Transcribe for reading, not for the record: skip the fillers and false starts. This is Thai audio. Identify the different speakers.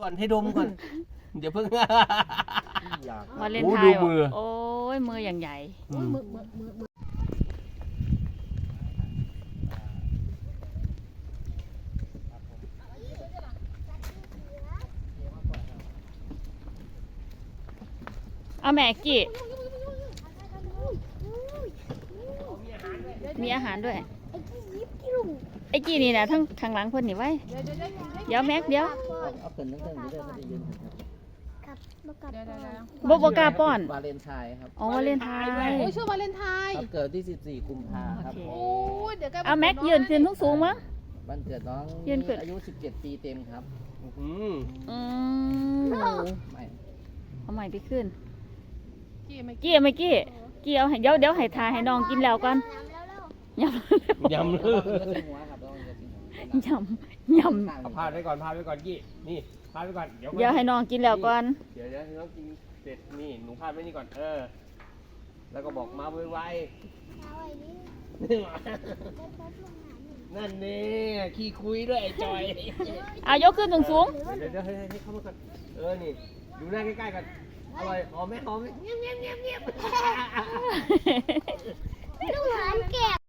Speaker 1: อนให้ดมก่อนเดี๋ยวเพิ่ง
Speaker 2: วาเลนไทน์โอ้ยมืออย่างใหญ่เอาแม่กี่มีอาหารด้วยไอ้กี่นี่นะทั้งข้างหลังเพิ่นนี่ไว้เดี๋ยวแม็กเดี๋ยว
Speaker 3: เอาเกินตั้งแต่นี้ได้ไม่ได้ยืน
Speaker 2: บ่กล้าป้อน
Speaker 3: วาเลนไทน์ครับ
Speaker 2: อ๋อวาเลนไทน์
Speaker 4: โอ้ยชื่อวาเลนไทน์
Speaker 3: ครับเกิดที่14กุมภาครับ
Speaker 4: โอ้ยเดี๋ยว
Speaker 2: เอาแม็กยืนขึ้นสูงมั้ง
Speaker 3: วันเกิดน้อง
Speaker 2: ยืนขึ้น
Speaker 3: อายุ17ปีเต็มครับ
Speaker 1: อืม
Speaker 3: ไม่
Speaker 2: เอาใหม่ไปขึ้น
Speaker 4: กี่ไม่
Speaker 2: กี้ไม่กี้เอาให้เดี๋ยวให้ทาให้น้องกินแล้วก่อนยำ
Speaker 1: ยำเลย
Speaker 3: หัวครับ
Speaker 2: ยำ
Speaker 1: เอาพาดไว้ก่อนกี้นี่พาดไว้ก่อนเดี๋ยว
Speaker 2: ให้น้องกินแล้วก่อน
Speaker 1: เดี๋ยวให้น้องกินเสร็จนี่หนูพาดไว้นี่ก่อนแล้วก็บอกมาไวๆนั่นนี่ขี้คุยด้วยไอ้จอย
Speaker 2: ยกขึ้นสูง
Speaker 1: เดี๋ยวให้เข้ามาก่อนนี่ดูหน้าใกล้ๆกันอร่อยหอมไหมเงียบ
Speaker 2: ๆ